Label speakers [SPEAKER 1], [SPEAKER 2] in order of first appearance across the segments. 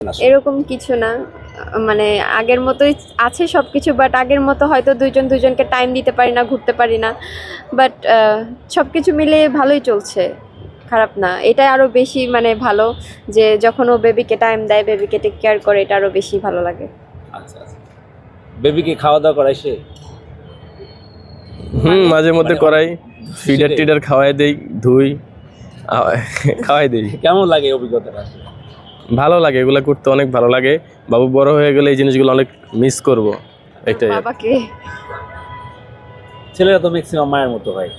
[SPEAKER 1] এরকম কিছু না, মানে আগের মতোই আছে সবকিছু, বাট আগের মতো হয়তো দুইজন দুইজনকে টাইম দিতে পারি না, ঘুরতে পারি না, বাট সবকিছু মিলে ভালোই চলছে, খারাপ না। এটা আরো বেশি মানে ভালো যে যখন ও বেবিকে টাইম দেয়, বেবিকে টেক কেয়ার করে, এটা আরো বেশি ভালো লাগে।
[SPEAKER 2] আচ্ছা আচ্ছা, বেবিকে খাওয়া দাওয়া করায় সে?
[SPEAKER 3] মাঝে মধ্যে করাই, ফিডার টিডার খাওয়াই দেই, ধুই, খাওয়াই দেই।
[SPEAKER 2] কেমন লাগে অভিজ্ঞতাটা?
[SPEAKER 3] ভালো লাগে, এগুলো করতে অনেক ভালো লাগে। বাবু বড় হয়ে গেলে এই জিনিসগুলো অনেক মিস করব, এটাই।
[SPEAKER 1] বাবাকে
[SPEAKER 2] ছেলেরা তো ম্যাক্সিমাম মায়ের মতো হয়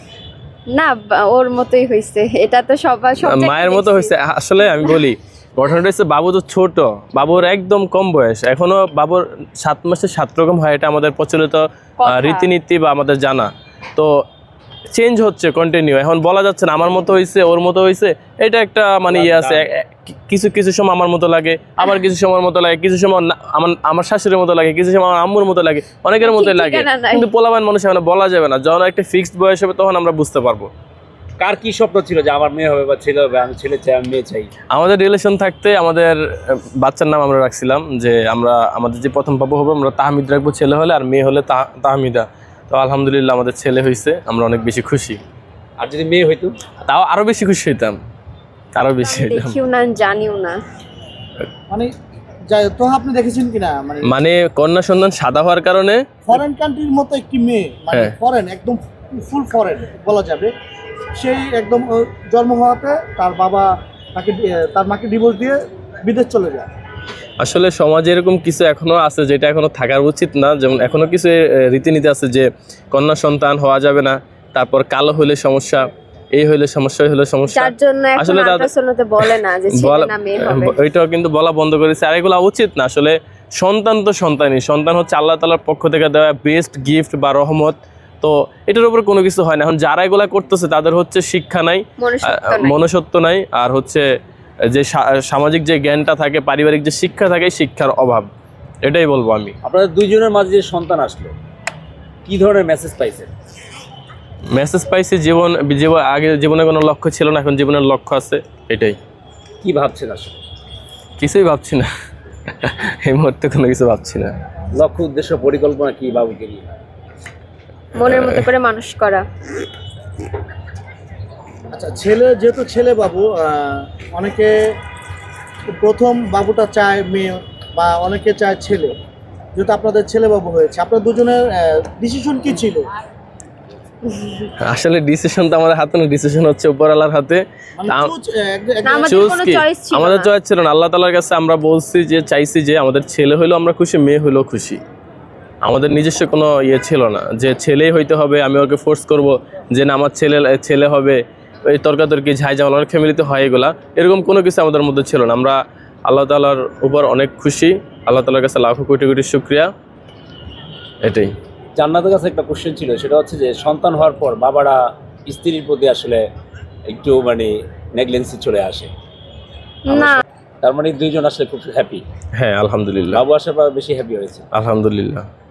[SPEAKER 1] না, ওর মতোই হয়েছে, এটা তো সবার সব
[SPEAKER 3] মায়ের মতো হয়েছে। আসলে আমি বলি, ঘটনাটা হচ্ছে বাবু তো ছোট, বাবুর একদম কম বয়স, এখনো বাবুর 7 মাসে 7 রকম হয়, এটা আমাদের প্রচলিত রীতিনীতি বা আমাদের জানা। তো চেঞ্জ হচ্ছে কন্টিনিউ, এখন বলা যাচ্ছে না আমার মতো হয়েছে ওর মতো হয়েছে, এটা একটা মানে ইয়ে আছে। কিছু কিছু সময় আমার মতো লাগে, আবার কিছু সময়ের মতো লাগে, কিছু সময় আমার শাশুড়ির মতো লাগে, কিছু সময় আমার আম্মুর মতো লাগে, অনেকের মতোই লাগে। কিন্তু পোলাবান মানুষ মানে বলা যাবে না, যখন একটা ফিক্সড বয়স হবে তখন আমরা বুঝতে পারবো।
[SPEAKER 2] কার কি স্বপ্ন ছিল যে আমার মেয়ে হবে বা ছেলে হবে, আমি ছেলে চাই, আমি মেয়ে চাই?
[SPEAKER 3] আমাদের রিলেশন থাকতে আমাদের বাচ্চার নাম আমরা রাখছিলাম যে আমাদের যে প্রথম বাবু হবে আমরা তাহমিদ রাখবো ছেলে হলে, আর মেয়ে হলে তাহমিদা। তো আলহামদুলিল্লাহ আমাদের ছেলে হয়েছে, আমরা অনেক বেশি খুশি।
[SPEAKER 2] আর যদি মেয়ে হইতো
[SPEAKER 3] তাও আরো বেশি খুশি হইতাম, আরো বেশি হইতাম।
[SPEAKER 1] দেখিও না, জানিও না।
[SPEAKER 4] মানে তো আপনি দেখেছেন কিনা,
[SPEAKER 3] মানে কন্যা সন্তান সাদা হওয়ার কারণে
[SPEAKER 4] ফরেন কান্ট্রির মতো একটি মেয়ে, মানে ফরেন, একদম ফুল ফরেন বলা যাবে, সেই একদম জন্ম হওয়াতে তার বাবা তার মাকে ডিভোর্স দিয়ে বিদেশ চলে যায়।
[SPEAKER 3] আসলে সমাজে এরকম কিছু এখনো আছে যেটা এখনো থাকার উচিত না। যেমন এখনো কিছু রীতিনীতি আছে যে কন্যা সন্তান হওয়া যাবে না, তারপর কালো হলে সমস্যা, এই হইলে সমস্যা, হইলে সমস্যা।
[SPEAKER 1] যার জন্য এখন আল্ট্রাসাউন্ডে বলে না যে ছেলে না মেয়ে হবে,
[SPEAKER 3] ওইটাও কিন্তু বলা বন্ধ করেছে। আর এগুলো উচিত না আসলে। সন্তান তো সন্তানই, সন্তান হচ্ছে আল্লাহ তাআলার পক্ষ থেকে দেওয়া বেস্ট গিফট বা রহমত। তো এটার উপর কোনো কিছু হয় না। এখন যারা এগুলা করতেছে তাদের হচ্ছে শিক্ষা নাই, মনুষ্যত্ব নাই, আর হচ্ছে যে সামাজিক যে জ্ঞানটা থাকে, পারিবারিক যে শিক্ষা থাকে, শিক্ষার অভাব, এটাই বলবো আমি।
[SPEAKER 2] আপনাদের দুইজনের মাঝে যে সন্তান আসলো, কি ধরনের মেসেজ পাইছেন?
[SPEAKER 3] মেসেজ পাইছি, আগে জীবনে কোনো লক্ষ্য ছিল না, এখন জীবনের লক্ষ্য আছে, এটাই।
[SPEAKER 2] কি ভাবছেন আসলে?
[SPEAKER 3] কিছুই ভাবছি না, এই মুহূর্তে কোনো কিছু ভাবছি না।
[SPEAKER 2] লক্ষ্য, উদ্দেশ্য, পরিকল্পনা কি বাবুকে নিয়ে?
[SPEAKER 1] মনের মতো করে মানুষ করা।
[SPEAKER 4] আচ্ছা, যেহেতু ছেলে বাবু, অনেকে প্রথম বাবুটা চায় মেয়ে, বা অনেকে চায় ছেলে। যেহেতু আপনাদের ছেলে বাবু হয়েছে, আপনার দুজনের ডিসিশন কি ছিল?
[SPEAKER 3] আসলে ডিসিশন তো আমাদের হাতে না, ডিসিশন হচ্ছে উপরওয়ালার হাতে। আমাদের চয়েস ছিল না, আল্লাহ তাআলার কাছে আমরা বলছি যে চাইছি যে আমাদের ছেলে হইলো আমরা খুশি, মেয়ে হইলেও খুশি। আমাদের নিজস্ব কোনো ইয়ে ছিল না যে ছেলেই হইতে হবে, আমি ওকে ফোর্স করব যে না আমার ছেলে হবে, এই তর্কাতর্কি ঝাইঝামেলা অনেক ফ্যামিলিতে হয়, এরকম কোনো কিছু আমাদের মধ্যে ছিল না। আমরা আল্লাহ তাআলার উপর অনেক খুশি, আল্লাহ তাআলার কাছে লাখো কোটি কোটি শুকরিয়া, এটাই।
[SPEAKER 2] জান্নাতের কাছে একটা কোশ্চেন ছিল, সেটা হচ্ছে যে সন্তান হওয়ার পর বাবারা স্ত্রীর প্রতি আসলে একটু মানে নেগলেন্সি চলে আসে
[SPEAKER 1] না,
[SPEAKER 2] তার মানে দুইজন আসলে খুব হ্যাপি।
[SPEAKER 3] হ্যাঁ আলহামদুলিল্লাহ,
[SPEAKER 2] বাবু আসার পর বেশি হ্যাপি হয়েছে
[SPEAKER 3] আলহামদুলিল্লাহ।